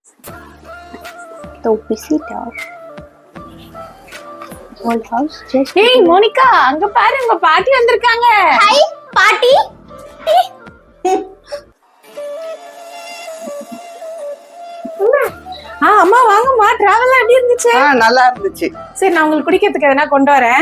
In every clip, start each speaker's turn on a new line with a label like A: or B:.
A: The visitor. Whole house just.
B: Hey Monica, அங்க பாரு உங்க பாட்டி வந்திருக்காங்க.
A: Hi, பாட்டி.
B: அம்மா வாங்கம்மா, டிராவல் எப்படி இருந்துச்சு?
C: நல்லா இருந்துச்சு.
B: சரி, நான் உங்களுக்கு குடிக்கிறதுக்கு எதனா கொண்டு வரேன்.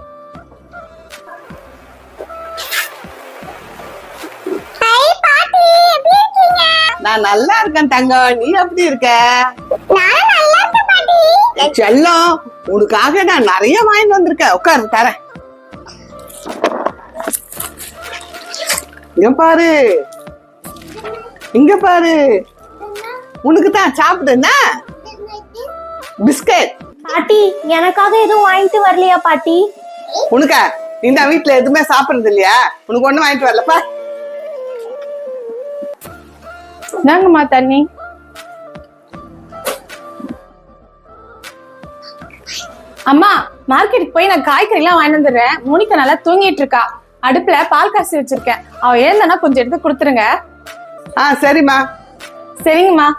A: Hi, பாட்டி. எப்படி இருக்கீங்க?
C: நான் நல்லா இருக்கேன் தங்கம். நீ எப்படி இருக்க?
A: நான் நல்லா இருக்கேன் பாட்டி.
C: செல்லம், உனக்காக நான் நிறைய வாங்கிட்டு வந்திருக்கேன். உட்காரு தரேன். இங்க பாரு, இங்க பாரு. உனக்கு தான் சாப்பிடுனா பிஸ்கட்.
A: பாட்டி, எனக்காக எதுவும் வாங்கிட்டு வரலையா பாட்டி?
C: உனக்கா? இந்த வீட்டுல எதுவுமே சாப்பிடுறது இல்லையா? உனக்கு ஒண்ணும் வாங்கிட்டு வரலப்பா.
B: நாங்கம்மா தண்ணி. அம்மா, மார்க்கெட்டுக்கு போய் நான் காய்கறி எல்லாம் வாங்கிட்டு வந்துடுறேன். மோனிகா நல்லா தூங்கிட்டு இருக்கா. அடுப்புல பால் காசி வச்சிருக்கேன். அவ ஏந்தனா கொஞ்சம் எடுத்து கொடுத்துருங்க.
C: சரிம்மா.
B: சரிங்கம்மா.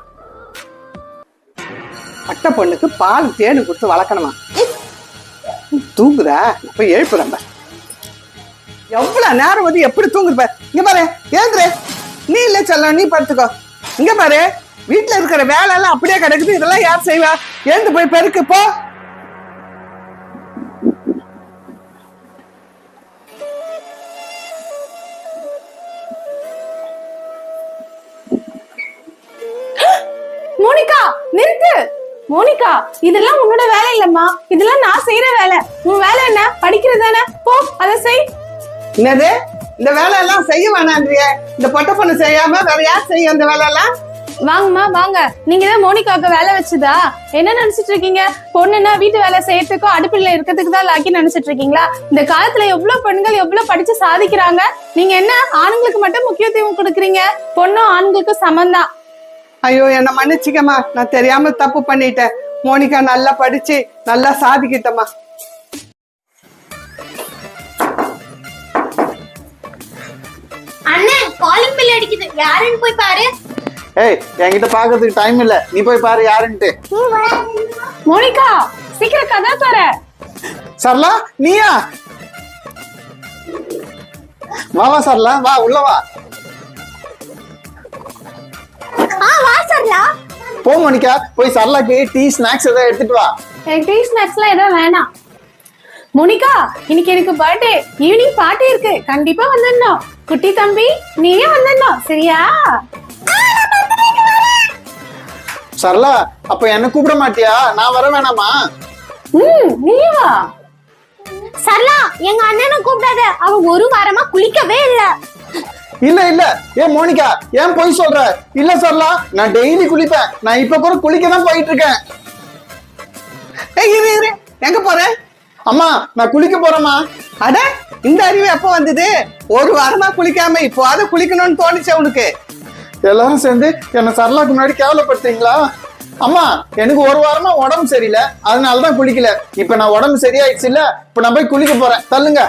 C: அட்டை பொண்ணுக்கு பால் தேனு கொடுத்து வளர்க்கணுமா? தூங்குதா? இப்ப எழுப்புறேன். எவ்வளவு நேரம் வந்து எப்படி தூங்குற? இங்க பாரு, ஏந்திரு. நீ இல்ல செல்லம், நீ படுத்துக்கோ. இங்க பாரு, வீட்டுல இருக்கிற வேலை எல்லாம் அப்படியே கிடக்குது. இதெல்லாம் யார் செய்வா? ஏந்து போய் பெருக்கு போ.
B: மோனிகா, நிறுத்து. மோனிகா, இதெல்லாம் உன்னோட வேலை இல்லம்மா. இதெல்லாம் நான் செய்யற வேலை. உன் வேலை என்ன? படிக்கிறது தானே? போ, அதை செய்.
C: என்னது? இந்த வேலை எல்லாம் செய்ய வேணான்றிய? இந்த பொட்டை பொண்ணு செய்யாம வேற யார் செய்யும் இந்த வேலை எல்லாம்?
B: வாங்கம்மா வாங்க. நீங்க தான் மோனிகாவுக்கு வேலை வச்சுதா? என்ன நினைச்சிட்டு இருக்கீங்க? பொண்ணுன்னா வீட்டு வேலை செய்யறதுக்கும் அடுப்பில் இருக்கிறதுக்கு தான் லாக்கி நினைச்சிட்டு இருக்கீங்களா? இந்த காலத்துல எவ்வளவு பெண்கள் எவ்வளவு படிச்சு சாதிக்கிறாங்க. நீங்க என்ன ஆண்களுக்கு மட்டும் முக்கியத்துவம் கொடுக்குறீங்க? பொண்ணும் ஆண்களுக்கும் சமந்தான்.
C: ஐயோ, என்ன மன்னிச்சுக்கம்மா. நான் தெரியாம தப்பு பண்ணிட்டேன். மோனிகா நல்லா படிச்சு நல்லா சாதிக்கிட்டம்மா.
A: அண்ணே, காலிங் பெல் அடிக்குது. யாருன்னு போய் பாரு.
D: ஏய், என்கிட்ட பாக்கிறதுக்கு டைம் இல்ல. நீ போய் பாரு யாருன்ட்டு.
B: மோனிகா, சீக்கிரம் கதா தர.
D: சரளா, நீயா? வா சரளா, வா உள்ள வா.
A: வா சரளா.
D: போ மோனிகா, போய் சரளாக்கு டீ ஸ்நாக்ஸ் ஏதாவது எடுத்துட்டு வா.
B: எனக்கு டீ ஸ்நாக்ஸ்லாம் எதுவும் வேணாம். மோனிகா, இன்னைக்கு எனக்கு பர்த்டே. ஈவினிங் பார்ட்டி இருக்கு. கண்டிப்பா வந்துடணும். குட்டி தம்பி, நீயே வந்துடணும். சரியா?
D: சரளா, அப்ப என்ன கூப்பிட மாட்டியா? நான் வர வேணாமா?
B: நீயே வா.
A: சரளா, எங்க அண்ணனை கூப்பிடாத. அவன் ஒரு வாரமா குளிக்கவே இல்ல.
D: இல்ல ஏன் மோனிகா, ஏன் போய் சொல்ற? இல்ல சரளா, நான் டெய்லி குளிப்பேன். நான் இப்ப கூட குளிக்க தான் போயிட்டு இருக்கேன்.
C: இரு, எங்க போற?
D: அம்மா, நான் குளிக்க போறேம்மா.
C: அட, இந்த அறிவு எப்ப வந்தது? ஒரு வாரமா குளிக்காம இப்போ அதை குளிக்கணும்னு தோணுச்சு உனக்கு?
D: எல்லாரும் சேர்ந்து என்ன சரளாக்கு முன்னாடி கேவலப்படுத்துறீங்களா? அம்மா, எனக்கு ஒரு வாரமா உடம்பு சரியில்லை, அதனாலதான் குளிக்கல. இப்ப நான் உடம்பு சரியாயிடுச்சு இல்ல, இப்ப நான் போய் குளிக்க போறேன். தள்ளுங்க.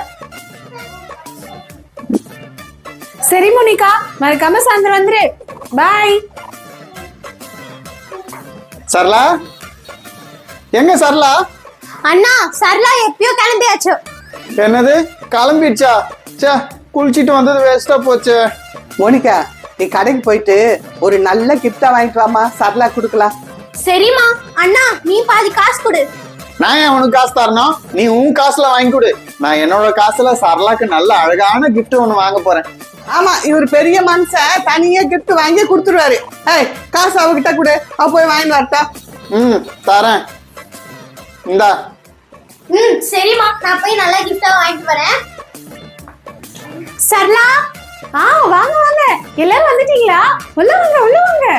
B: சரி மோனிகா, மறக்காம சாயந்தரம் வந்துரு. பாய்.
D: சரளா, எங்க சரளா?
A: அண்ணா, சரளா எப்பயோ கிளம்பியாச்சு.
D: என்னது, கிளம்பிடுச்சா? சே, குளிச்சிட்டு வந்தது வேஸ்டா போச்சு.
C: மோனிகா, நீ கடைக்கு போயிட்டு ஒரு நல்ல கிஃப்டா வாங்கிட்டு வாமா. சரளா கொடுக்கலாம்.
A: சரிம்மா. அண்ணா, நீ பாதி காசு கொடு.
D: நான் ஏன் உனக்கு காசு தரணும்? நீ உன் காசுல வாங்கி கொடு. நான் என்னோட காசுல சரளாக்கு நல்ல அழகான கிஃப்ட் ஒண்ணு வாங்க போறேன்.
C: ஆமா, இவர் பெரிய மனுஷன், தனியா கிஃப்ட் வாங்கி கொடுத்துருவாரு. காசு அவகிட்ட கொடு, அவ போய் வாங்கிட்டு வரட்டா.
D: தரேன். இந்தா.
A: சரிம்மா, நான் போய் நல்லா கிஃப்டா வாங்கிட்டு வரேன். சரளா,
B: வாங்க வாங்க. எல்லாரும் வந்துட்டீங்களா? உள்ள வாங்க உள்ள வாங்க.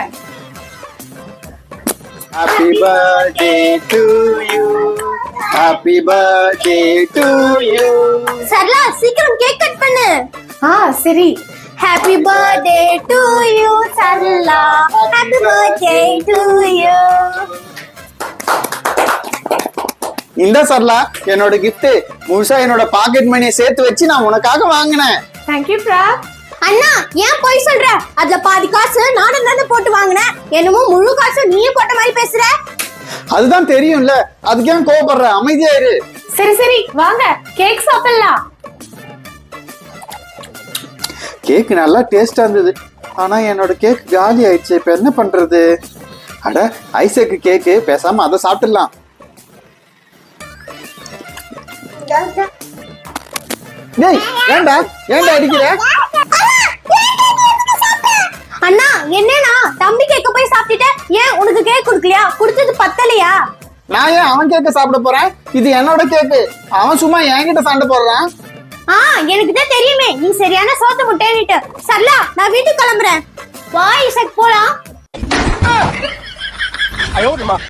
D: Happy birthday to you. Happy birthday to you.
A: Sarala, சீக்கிரம் கேக் கட் பண்ணு.
B: சரி.
A: Happy birthday to you, Sarala. Happy birthday to you.
D: இந்த சரளா, என்னோட கிஃப்ட். முழுசா என்னோட பாக்கெட் மணியை சேர்த்து வச்சு நான் உனக்காக வாங்கினேன்.
B: தேங்க்யூ பிரா.
A: அண்ணா ஏன் போய் சொல்ற? அதுல பாதி காசு நானும் தானே போட்டு வாங்கினேன். என்னமோ முழு காசு நீயே போட்ட மாதிரி பேசுற.
D: அதுதான் தெரியும்ல, அதுக்கு ஏன் கோவப்படுற? அமைதியா இரு.
B: சரி சரி வாங்க கேக் சாப்பிடலாம்.
D: கேக் நல்லா டேஸ்டா இருந்தது, ஆனா என்னோட கேக் காலி ஆயிடுச்சு. இப்ப என்ன பண்றது? அட ஐசக்கு கேக்கு, பேசாம அதை சாப்பிட்டுடலாம். டேய் ஏன்டா அடிக்கிற?
A: அண்ணா என்னன்னா தம்பி கேக்க போய் சாப்பிட்டுட்ட, ஏன் உனக்கு கேக் குடுக்கலையா? குடுத்தது பத்தலையா?
D: நான் ஏன் அவன் கேக்க சாப்பிட போறேன்? இது என்னோட கேக்கு. அவன் சும்மா என்கிட்ட சண்டை போடுறான்.
A: எனக்கு தான் தெரியுமே நீ சரியான சோத்து முட்டைன்னுட்டு. சரலா நான் வீட்டுக்கு கிளம்புறேன். வா இசக் போலாம்.